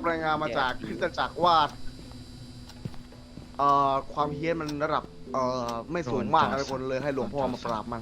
รายงานมาจากคริสตจักรว่าความเฮี้ยนมันระดับไม่สูงมากนะทุกคนเลยให้หลวงพ่อมาปราบมัน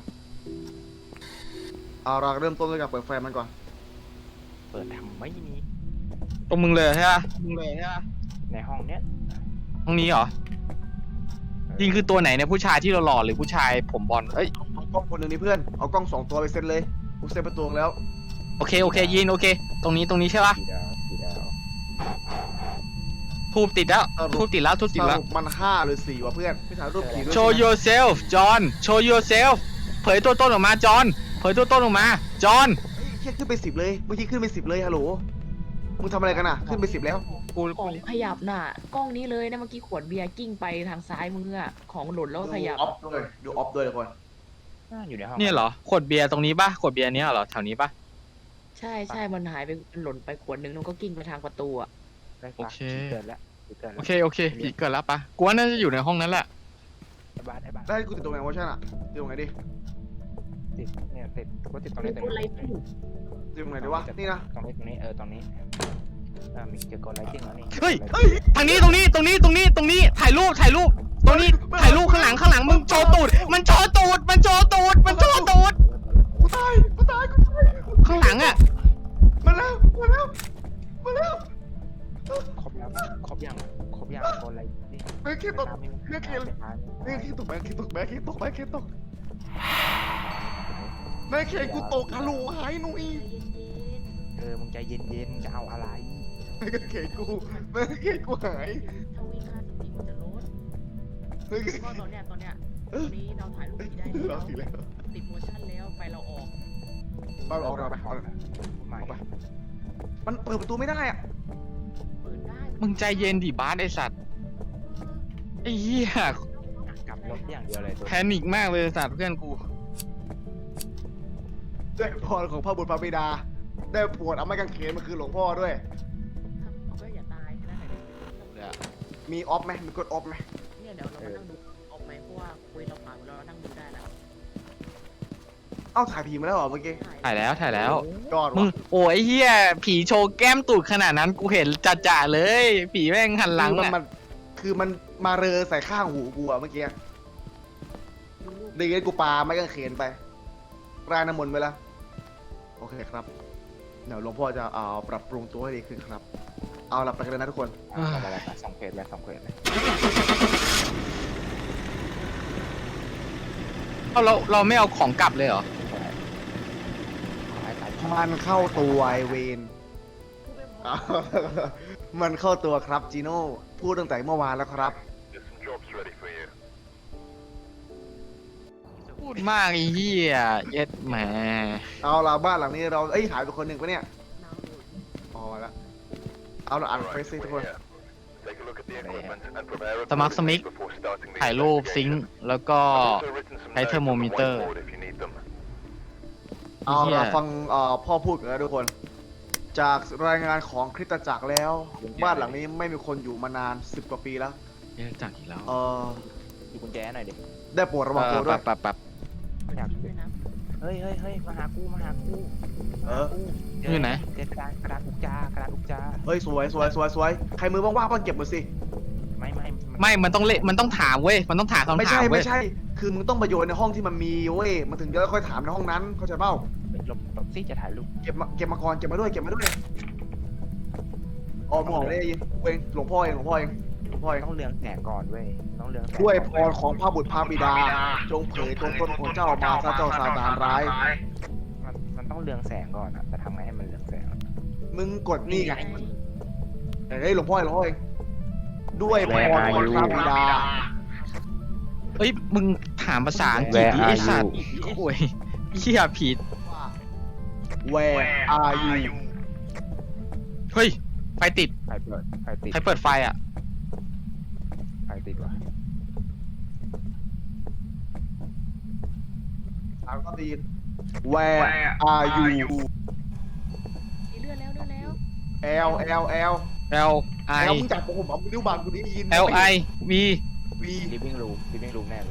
เราเริ่มต้นด้วยการเปิดไฟมันก่อนเปิดทำไม่มีตรงมึงเลยใช่ปะในห้องเนี้ยห้องนี้เหรอจริงคือตัวไหนเนี่ยผู้ชายที่หล่อๆหรือผู้ชายผมบอลเอ้ยเอากล้องคนหนึ่งนี่เพื่อนเอากล้อง2 ตัวไปเซ็ตเลยกูเซ็ตประตูแล้วโอเคยินโอเคตรงนี้ใช่ปะสีดาวทูบติดแล้วทูบติดแล้วสรุปมัน5 หรือ 4วะเพื่อนไม่ถ่ายรูปผีด้วย Show yourself John Show yourself เผยตัวตนออกมาจอห์นเผยตัวตนออกมาจอห์นเฮ้ยขึ้นไป10เลยเมื่อกี้ขึ้นไป10เลยฮัลโหลมึงทำอะไรกันอ่ะขึ้นไป10แล้วกูของขยับน่ะกล้องนี้เลยนะเมื่อกี้ขวดเบียร์กิ้งไปทางซ้ายมืออะของหล่นแล้วก็ขยับดูออฟด้วยทุกคนอยู่ในห้องเนี่ยเหรอขวดเบียร์ตรงนี้ปะขวดเบียร์เนี้ยเหรอแถวนี้ปะใช่มันหายไปมันหล่นไปขวดนึงแล้วก็กิ้งไปทางประตูอะโอเคเกิดแล้วเกิดโอแล้วเคผีเกิดแล้วปะกูว่าน่าจะอยู่ในห้องนั้นแหละบ้านได้กูติดตรงไหนวะช่างอ่ะติดตรงไหนดิติดเนี่ยติดก็ติดตรงมีนี้ตรงคนไล่นี้ตู้ติดตรงไหนดีวะนี่นะตรงนี้ตรงนี้ตรงนี้มีเจอกดไลท์ติ้งแล้วนี่เฮ้ยทางนี้ตรงนี้ถ่ายรูปตรงนี้ถ่ายรูปข้างหลังมึงโชว์ตูดมันโชว์ตูดกูตายข้างหลังอ่ะมาแล้วครบยังครบยังกดไลท์ติ้งแม่คิดตกแม่คิดตกแม่คิดตกแม่เคนกูตกฮัลโหลหายหนุ่ยมึงใจเย็นจะเอาอะไรแม่เคนกูหายถ้าวิ่งค่าสติมันจะลดแม่เคนก็ตอนเนี้ยตอนนี้เราถ่ายรูปผีได้เราสิแล้วติดโมชั่นแล้วไฟเราออกไปออกเราไปใหม่มันเปิดประตูไม่ได้อ่ะเปิดได้มึงใจเย็นดิบาสไอสัตว์ไอ้เหี้ยกลับรถอย่างเดียวเลยแพนิคมากเลยสัตว์เพื่อนกูได้พรของพระบุตรพระบิดา ได้ปวดเอาไม้กางเขนมาคือหลวงพ่อด้วยเอาก็อย่าตายแค่นั้นแหละมีออฟไหมมีกดออฟไหมเนี่ยเดี๋ยวเรามานั่งดูออกไหมเพราะว่าคุยเราผ่านเรานั่งดูได้แล้วเอ้าถ่ายผีมาแล้วเหรอเมื่อกี้ถ่ายแล้วยอดมึงว่ะโอ้ยไอ้เหี้ยผีโชว์แก้มตูดขนาดนั้นกูเห็นจ่าๆเลย ผีแม่งหันหลังคือมันมาเรอใส่ข้างหูกูอะเมื่อกี้ดีงั้นกูปาไม้กางเขนไปรายน้ำมนต์ไปแล้วโอเคครับ เดี๋ยวหลวงพ่อจะปรับปรุงตัวให้ดีขึ้นครับ เอาหลับไปกันเลยนะทุกคนอะไรสองเควสเลยเราไม่เอาของกลับเลยเหรอมันเข้าตัวไอเวน มันเข้าตัวครับจีโน่พูดตั้งแต่เมื่อวานแล้วครับพูดมากไอ้เหี้ยเย็ดแหมเอาละบ้านหลังนี้เราหายไปคนหนึ่งปะเนี่ยอ๋อแล้วเอาละอ่านเฟซซิทุกคนสมัครสมิกถ่ายรูปซิงค์แล้วก็ใช้เทอร์โมมิเตอร์เอาละฟังพ่อพูดกันแล้วทุกคน จากรายงานของคริสตจักรแล้ว บ้านหลังนี้ไม่มีคนอยู่มานาน10 กว่าปีแล้วเอ๊ะจากอีกแล้วดูกุญแจหน่อยดิได้โปรดระวังตัวด้วยปั๊บอยากด้วยนะเฮ้ยมาหากูอยู่ไหนเจอกระดาษอุกจาเฮ้ยสวยใครมือว่างๆก็เก็บมาสิไม่มันต้องมันต้องถามเว้ยมันต้องถามคำถามไม่เว้ยใช่ คือมึงต้องไปโยนในห้องที่มันมีเว้ยมันถึงจะค่อยถามในห้องนั้นเข้าใจเปล่าหลบซิจะถ่ายรูปเก็บมาก่อนเก็บมาด้วยอ๋อมึงออกได้ยินเองหลวงพ่อเองต้องเรืองแสงก่อนเว้ยต้องเรืองแสงด้วยพรของพระบุตรพระบิดา จงเผยตัวตนของเจ้ามาซะเจ้าซาตานร้ายมันต้องเรืองแสงก่อนอะแต่ทำไงให้มันเรืองแสงมึงกดนี่ไงเฮ้ยหลวงพ่อเองด้วยพรของพระบิดาเอ้ยมึงถามภาษาอังกฤษดิไอ้สัตว์โอ้ยเหี้ยผิด Where are you เฮ้ยไฟติดไฟติดใครเปิดไฟอ่ะไฟติดว่ะถามก็ดี Where are you เลื่อนแล้ว L L I มึงจับผมเอานิ้วบางกูได้ยิน L I V V ลิฟวิ่งรูมแน่เลย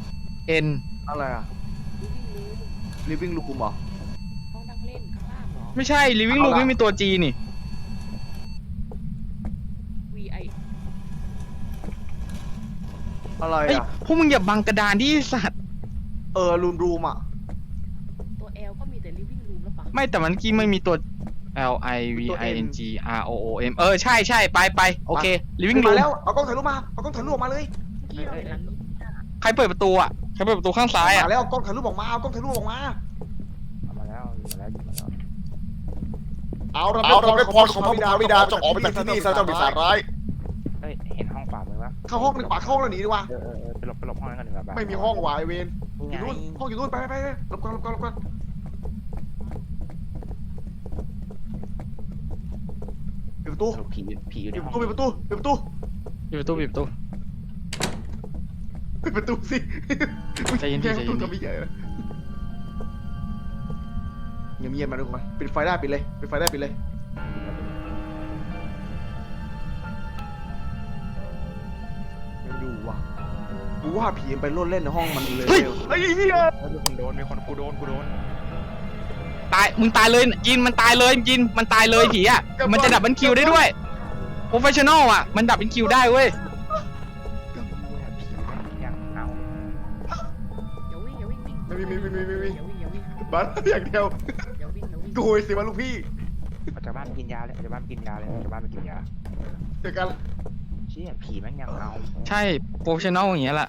N อะไรอะ living room เหรอห้องนั่งเล่นข้างล่างเหรอไม่ใช่ living room ไม่มีตัว G นี่ VI อะไรเฮ้ยอ่ะพวกมึงอย่าบังกระดานดิสัตว์รูมอ่ะตัว L ก็มีแต่ living room แล้วปะไม่แต่มันกี้ไม่มีตัว L I V I N G R O O M ใช่ใช่ไปโอเค living มา room แล้วเอากล้องถ่ายรูปมาเอากล้องถ่ายรูปออกมาเลยเมื่อกี้เราเห็นหลังนี้ใครเปิดประตูอ่ะใครเปิดประตูข้างซ้ายอ่ะมาแล้วเอากล้องถ่ายรูปออกมาเอากล้องถ่ายรูปออกมาเอามาแล้วอยู่มาแล้วอยู่มาแล้วเอาเราเราได้พรของพระบิดาจงออกไปจากที่นี่ซะเจ้าปีศาจร้ายเฮ้ยเห็นห้องขวามือปะเข้าห้องดีกว่าเข้าห้องแล้วหนีดีกว่าไปหลบห้องนั้นกันดีกว่าไม่มีห้องว่ะไอเวนนี่อไงยู่นู่นห้องอยู่นู่นไปหลบก่อนปิดประตูสรุปผีอยู่ในปิดห้ปองระตูปิดประตูปิดประตูปิดประตูปิดประตูปิดประตูสิใจเย็นๆแค่ประตูใจเย็นๆทำไม่ใหญ่เลยเงียบๆมาทุกคนปิดไฟได้ปิดเลยปิดไฟได้ปิดเลยยังอยู่ว่ะกูว่าผีมันไปโลดเล่นในห้องมันเลยเฮ้ยเฮียโดนมีคนกูโดนตายมึงตายเลยยินมันตายเลยยินมันตายเลยผีอ่ะมันจะดับเบิลคิวได้ด้วยโปรเฟชชั่นอลอ่ะมันดับเป็นคิวได้เว้ยยังเอาอย่าวิ่งอย่าวิ่งวิ่งไม่มีอย่าวิ่งอย่าวิ่งบ้านอย่างเดียวอย่าวิ่งอย่าวิ่งกูสิมาลูกพี่ออกจากบ้านไปกินยาเลยออกจากบ้านไปกินยาเลยออกจากบ้านไปกินยาเจอกันเชี่ยผีแม่งยังเอาใช่โปรเฟชชั่นอลอย่างเงี้ยแหละ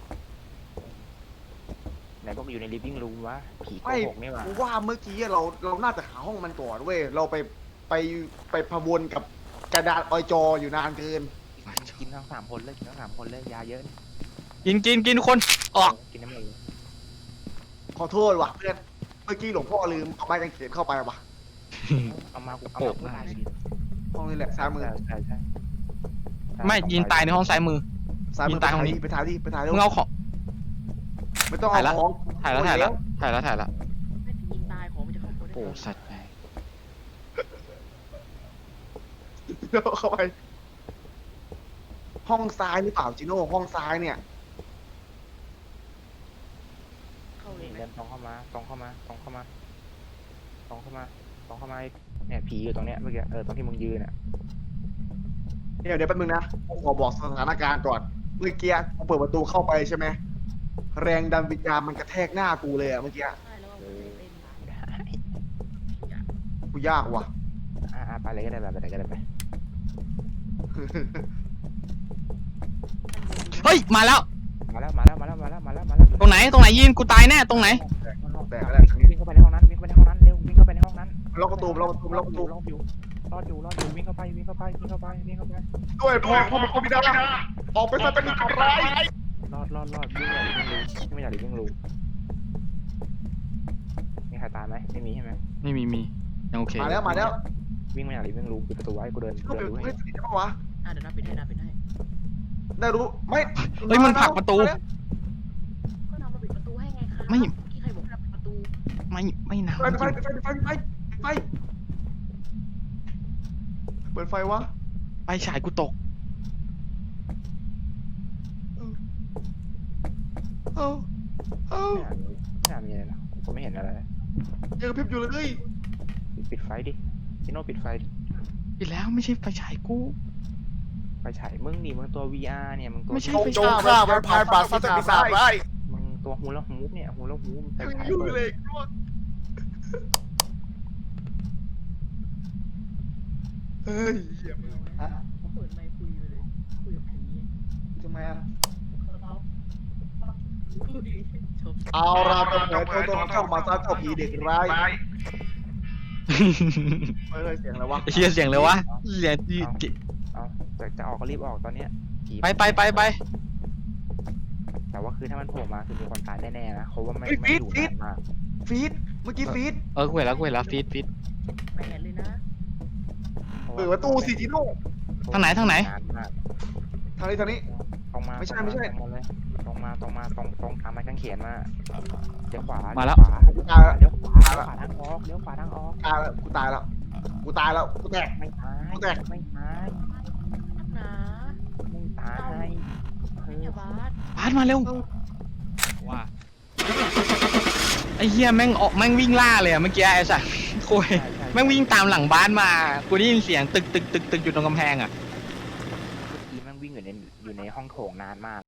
ไหนบอกอยู่ใน living room วะผีโกไม่หกนี่หว่ากูว่าเมื่อกี้เราน่าจะหาห้องมันก่อนเว้ยเราไปพะวนกับกระดาษออยจออยู่นานเกินกินทั้ง3 คนเลยกินทั้ง3 คนเลยยาเยอะนี่กินทุกคนออกกินน้ำมันขอโทษว่ะเพื่อนเมื่อกี้หลวงพ่อลืมเอาไม้กางเขนเข้าไปว่ะเอามากูตายห้องนี้แหละซ้ายมือใช่ไม่ยินตายในห้องซ้ายมือซ้ายมืยิงตายห้องนี้ไปถ่ายเร็วมึงเอาของไม่ต้องถ่ายละเอาของถ่ายแล้วไม่ได้ยิงตายของมันจะเข้าตัวได้โอ้ไงสัตว์ไงเดี๋ยวเข้าไป ห้องซ้ายหรือเปล่าจิโน่ห้องซ้ายเนี่ยเข้าเลยไหมเดินตรงเข้ามาเนี่ยผีอยู่ตรงเนี้ยเมื่อกี้ตรงที่มึงยืนอ่ะเดี๋ยวแป๊บนึงนะผมขอบอกสถานการณ์ก่อนเมื่อกี้กูเปิดประตูเข้าไปใช่ไหมแรงดันวิญญาณมันกระแทกหน้ากูเลยอะเมื่อกี้ใช่แล้วก็เต้นมาได้กูยากว่ะไปเลยก็ได้ไปเลยก็ได้ไปเฮ้ยมาแล้วมาแล้วตรงไหนยินกูตายแน่ตรงไหนแต่ก็ได้วิ่งเข้าไปในห้องนั้นเร็ววิ่งเข้าไปในห้องนั้นล็อกประตูล็อกประตูล็อกประตูรอดอยู่วิ่งเข้าไปด้วยพ่อมันก็ไม่ได้ออกไปซะเป็นอันตรายรอดวิ่งไม่อยากวิ่งรู้มีใครตายไหมไม่มีใช่ไหมไม่มียังโอเคมาแล้ววิ่งไม่อยากวิ่งรู้ปิดประตูไว้กูเดินลูกดูเป็นให้เพื่อนสนิทได้ปะวะเดี๋ยวนับปิดให้นับปิดให้ได้รู้ไม่เฮ้ยมันผลักประตูก็นำมาปิดประตูให้ไงคะไม่ที่ใครบอกให้ปิดประตูไม่นะไฟเปิดไฟวะไปฉายกูตกเอ้าไม่มีอะไรนะกูไม่เห็นอะไรยังกระพริบอยู่เลยปิดไฟดิพี่โน่ปิดไฟอีกแล้วไม่ใช่ไฟฉายกูไฟฉายมึงนี่มึงตัว VR เนี่ยมึงตัวไม่ใช่จงฆ่าแวมไพร์ปราศจากปีศาจร้ายมึงตัวหูแล้วหูเนี่ยหูแล้วหูแต่ยังฉายอยู่เปิดเลยเฮ้ยเขาเปิดไมค์คุยไปเลยคุยกับผีทำไมอ่ะจบเอาเราตัวเหนือตัวเข้ามาซะเจ้าผีเด็กร้ายเฮ้ยเสียงอะไรวะเฮียเสียงเลยวะเสียงที่เอาจะออกก็รีบออกตอนเนี้ยผีไปแต่ว่าคือถ้ามันโผล่มาคือมีคนตายแน่ๆนะเขาว่าไม่อยู่นานมากฟีดเมื่อกี้ฟีดกูเห็นแล้วฟีดไม่เห็นเลยนะเปิดประตูสิจิโน่ทางไหนนานมากทางนี้ตรงมาไม่ใช่ตรงตามไม้กางเขนมาเลี้ยวขวามาแล้วเลี้ยวขวาทางออกตายแล้วกูตายแล้วกูแตกไม่ตายนักหนาเฮ้ยอย่าบาสพาดมาเร็วว่าไอ้เฮียแม่งวิ่งล่าเลยอะเมื่อกี้ไอ้สัสโคุยใช่แม่งวิ่งตามหลังบ้านมากูได้ยินเสียงตึกอยู่ตรงกำแพงอ่ะเมื่อกี้แม่งวิ่งอยู่ในห้องโถงนานมาก